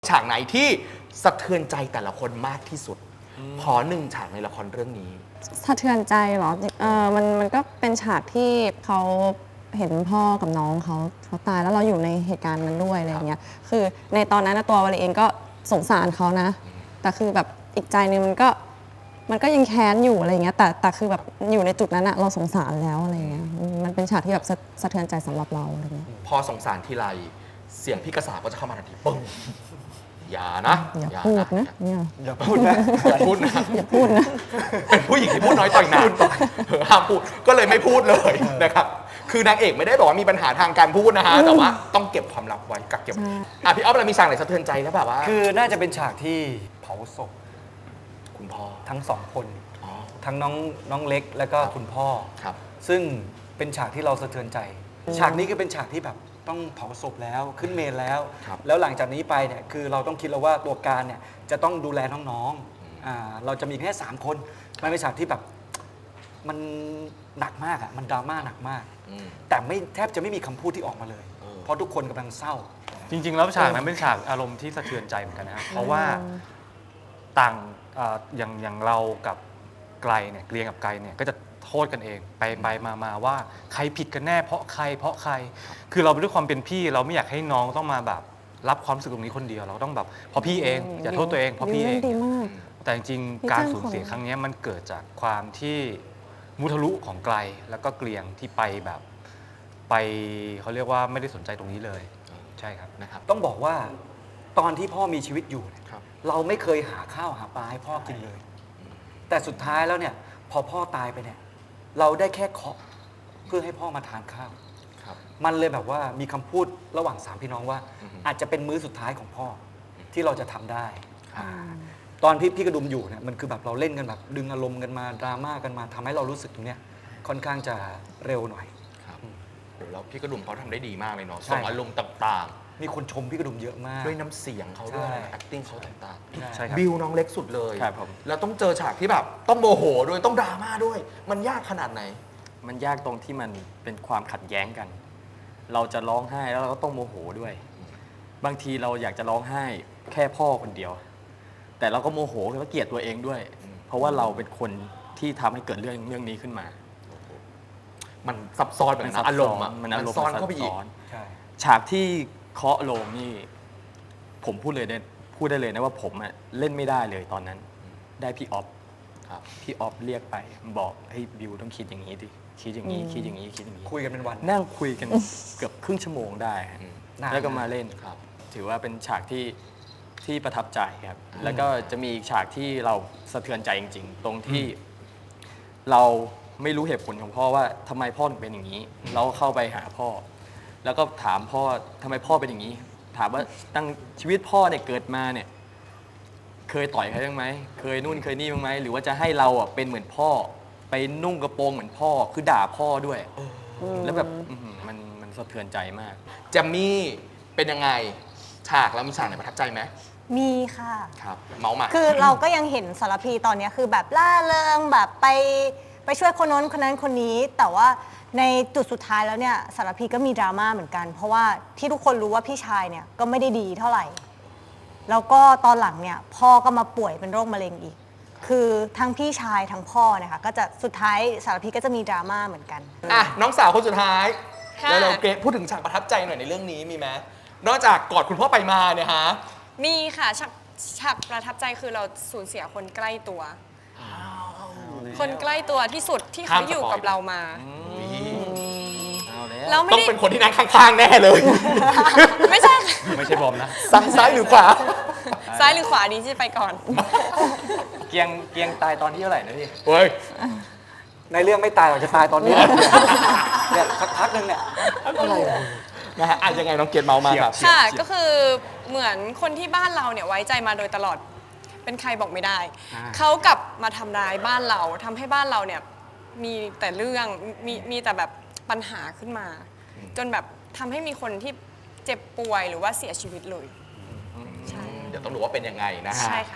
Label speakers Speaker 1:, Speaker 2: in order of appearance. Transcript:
Speaker 1: ฉากไหนที่สะเทือนใจแต่ละคนมากที่สุดขอหนึ่งฉากในละครเรื่องนี้
Speaker 2: สะเทือนใจเหรอมันก็เป็นฉากที่เขาเห็นพ่อกับน้องเขาตายแล้วเราอยู่ในเหตุการณ์นั้นด้วยอะไรอย่างเงี้ยคือในตอนนั้นนะตัววาเลเองก็สงสารเขานะแต่คือแบบอีกใจนึงมันก็ยังแค้นอยู่อะไรอย่างเงี้ยแต่คือแบบอยู่ในจุดนั้นอะเราสงสารแล้วอะไรอย่างเงี้ยมันเป็นฉากที่แบบสะเทือนใจสำหรับเราอะไรเงี้ย
Speaker 1: พอสงสารทีไรเสียงพี่กษาก็จะเข้ามาทันทีปึ้งอย่านะ
Speaker 2: อย่าพูดนะเนี่ย
Speaker 3: อย่าพูดนะ
Speaker 1: อย่าพูดนะ
Speaker 2: อย่าพูดนะ
Speaker 1: เป็นผู้หญิงที่พูดน้อยต่อยหนักห้ามพูดก็เลยไม่พูดเลยนะครับคือนางเอกไม่ได้บอกว่ามีปัญหาทางการพูดนะฮะแต่ว่าต้องเก็บความลับไว้กักเก็บพี่อ๊อฟเรามีฉากไหนสะเทือนใจแล้วแบบว่า
Speaker 3: คือน่าจะเป็นฉากที่เผาศพ
Speaker 1: คุณพ่อ
Speaker 3: ทั้งสองคน
Speaker 1: อ๋อ
Speaker 3: ทั้งน้องเล็กแล้วก็คุณพ่อ
Speaker 1: ครับ
Speaker 3: ซึ่งเป็นฉากที่เราสะเทือนใจ ฉากนี้ก็เป็นฉากที่แบบต้องเผาศพแล้วขึ้นเมนแล้ว
Speaker 1: ครับ
Speaker 3: แล้วหลังจากนี้ไปเนี่ยคือเราต้องคิดแล้วว่าตัวการเนี่ยจะต้องดูแลน้องๆเราจะมีแค่3คนมันเป็นฉากที่แบบมันหนักมากมันดราม่าหนักมาก
Speaker 1: อืม
Speaker 3: แต่ไม่แทบจะไม่มีคำพูดที่ออกมาเลย
Speaker 1: เออ
Speaker 3: เพราะทุกคนกำลังเศร้า
Speaker 4: จริงๆ แล้วฉากนั้นเป็นฉากอารมณ์ที่สะเทือนใจเหมือนกันนะครับเพราะว่าต่างอย่างเรากับไกลเนี่ยเกรียงกับไกลเนี่ยก็จะโทษกันเองไปมาว่าใครผิดกันแน่เพราะใครคือเราด้วยความเป็นพี่เราไม่อยากให้น้องต้องมาแบบรับความรู้สึกตรงนี้คนเดียวเราต้องแบบเพราะพี่เองอย่าโทษตัวเองเพราะพี่เอง
Speaker 2: ดีมาก
Speaker 4: แต่จริง
Speaker 2: พี่
Speaker 4: ๆ การ
Speaker 2: จ้าง
Speaker 4: สูญเสีย
Speaker 2: คน
Speaker 4: ครั้งนี้มันเกิดจากความที่มุทะลุของไกลแล้วก็เกลียงที่ไปแบบไปเขาเรียกว่าไม่ได้สนใจตรงนี้เลยใช่ครับ
Speaker 1: นะครับ
Speaker 3: ต้องบอกว่าตอนที่พ่อมีชีวิตอยู่เนี่ย
Speaker 1: ครับ
Speaker 3: เราไม่เคยหาข้าวหาปลาให้พ่อกินเลย แต่สุดท้ายแล้วเนี่ยพอพ่อตายไปเนี่ยเราได้แค่เคาะเพื่อให้พ่อมาทานข้าว
Speaker 1: ครับ
Speaker 3: มันเลยแบบว่ามีคำพูดระหว่าง3พี่น้องว่า
Speaker 1: อือฮึ
Speaker 3: อาจจะเป็นมื้อสุดท้ายของพ่อที่เราจะทำได้
Speaker 1: ครับ
Speaker 3: ตอนพี่กระดุมอยู่เนี่ยมันคือแบบเราเล่นกันแบบดึงอารมณ์กันมาดราม่ากันมาทำให้เรารู้สึกตรงเนี้ยค่อนข้างจะเร็วหน่อย
Speaker 1: ครับโหแล้วพี่กระดุมเขาทำได้ดีมากเลยเนาะ
Speaker 3: ใช่
Speaker 1: ส่งอารมณ์ต่าง
Speaker 3: มีคนชมพี่กระดุมเยอะมาก
Speaker 1: ๆ ด้วยน้ำเสียงเขาด้วย
Speaker 3: ใช่
Speaker 1: acting เขาต่าง
Speaker 4: ใช่ครับ
Speaker 1: ๆบิวน้องเล็กสุดเลย
Speaker 4: ครับผม
Speaker 1: แล้วต้องเจอฉากที่แบบต้องโมโหด้วยต้องดราม่าด้วย มันยากขนาดไหน
Speaker 5: มันยากตรงที่มันเป็นความขัดแย้งกัน เราจะร้องไห้แล้วเราก็ต้องโมโหด้วย บางทีเราอยากจะร้องไห้แค่พ่อคนเดียว แต่เราก็โมโหแล้วก็เกลียดตัวเองด้วย เพราะว่าเราเป็นคนที่ทำให้เกิดเรื่องนี้ขึ้นมา
Speaker 1: มันซับซ้อนแบบ
Speaker 5: มัน
Speaker 1: นั้
Speaker 5: ซั
Speaker 1: น
Speaker 5: บ
Speaker 1: อารมณ์อะ
Speaker 5: มันอารมณ์
Speaker 1: ซ้อน
Speaker 5: ซับ
Speaker 1: เข้าไปอีก
Speaker 5: ซ้อน
Speaker 3: ใช่
Speaker 5: ฉากที่เคาะโลงนี่ ผมพูดได้เลยนะว่าผมอะเล่นไม่ได้เลยตอนนั้น ได้พี่ออฟ
Speaker 1: ครับ
Speaker 5: พี่ออฟเรียกไปบอกเฮ้ยบิวต้องคิดอย่างนี้ดิคิดอย่างนี้คิดอย่างนี้คิดอย่างนี้
Speaker 3: คุยกันเป็นวัน
Speaker 5: นั่งคุยกัน เกือบครึ่งชั่วโมงได้ฮะ
Speaker 1: อืม
Speaker 3: นาน
Speaker 5: แล้วก็มาเล่น
Speaker 1: ครับ
Speaker 5: ถือว่าเป็นฉากที่ประทับใจครับ แล้วก็จะมีอีกฉากที่เราสะเทือนใจจริง ๆ ตรงที่เราไม่รู้เหตุผลของพ่อว่าทำไมพ่อถึงเป็นอย่างนี้ เราก็เข้าไปหาพ่อ แล้วก็ถามพ่อทำไมพ่อเป็นอย่างนี้ ถามว่าตั้งชีวิตพ่อเนี่ยเกิดมาเนี่ย เคยต่อยใครบ้างไหมเคยนู่นเคยนี่บ้างไหมหรือว่าจะให้เราอ่ะเป็นเหมือนพ่อ ไปนุ่งกระโปรงเหมือนพ่อคือด่าพ่อด้วย แล้วแบบอื้อหือมันสะเทือนใจมาก
Speaker 1: แจมมี่เป็นยังไงฉากแล้วมีฉากไหนประทับใจไหม
Speaker 6: มีค่ะ
Speaker 1: ครับ เมาส์มา
Speaker 6: คือเราก็ยังเห็นสารพีตอนเนี้ยคือแบบล่าเริงแบบไปช่วยคนโน้นคนนั้นคนนี้ แต่ว่าในจุดสุดท้ายแล้วเนี่ยสารพีก็มีดราม่าเหมือนกัน เพราะว่าที่ทุกคนรู้ว่าพี่ชายเนี่ยก็ไม่ได้ดีเท่าไหร่ แล้วก็ตอนหลังเนี่ยพ่อก็มาป่วยเป็นโรคมะเร็งอีก คือทั้งพี่ชายทั้งพ่อเนี่ยค่ะก็จะสุดท้ายสารพีก็จะมีดราม่าเหมือนกัน
Speaker 1: อ่ะน้องสาวคนสุดท้าย
Speaker 7: ค่ะ
Speaker 1: แล้วเราเกรดพูดถึงฉากประทับใจหน่อยในเรื่องนี้มีไหมนอกจากกอดคุณพ่อไปมาเนี่ยฮะ
Speaker 7: มีค่ะฉากประทับใจคือเราสูญเสียคนใกล้ตัว คนใกล้ตัวที่สุดที่
Speaker 1: ห้า
Speaker 7: เขา
Speaker 1: ม
Speaker 7: อยู่
Speaker 1: สปอย
Speaker 7: กับเรามา
Speaker 5: เอาแล้ว
Speaker 7: เราไม่
Speaker 1: ต้อง
Speaker 7: ได้
Speaker 1: เป็นคนที่นั่งข้างๆแน่เลย
Speaker 7: ไม่ใช่ค่ะ
Speaker 4: ไม่ใช่บอมนะ
Speaker 1: ซ้ายหรือขวา
Speaker 7: ซ้ายหรือขวาดีที่ไปก่อน
Speaker 5: เกียงตายตอนที่เท่าไหร่นะพี่
Speaker 1: เฮ้ย
Speaker 3: ในเรื่องไม่ตายหรอกจะตายตอนนี้ เนี่ยสักพักหนึงเนี่ยอะไรวะ
Speaker 1: นะฮะอ่ะยังไงน้องเกรดเมาส์มาครับ
Speaker 7: ค่ะ ก็คือเหมือนคนที่บ้านเราเนี่ยไว้ใจมาโดยตลอด เป็นใครบอกไม่ได้ เขากลับมาทำร้ายบ้านเราทำให้บ้านเราเนี่ยมีแต่เรื่องมีแต่แบบปัญหาขึ้นมา จนแบบทำให้มีคนที่เจ็บป่วยหรือว่าเสียชีวิตเลย ใช่
Speaker 1: เดี๋ยวต้องดูว่าเป็นยังไงนะฮะ
Speaker 7: ใช่ค่ะ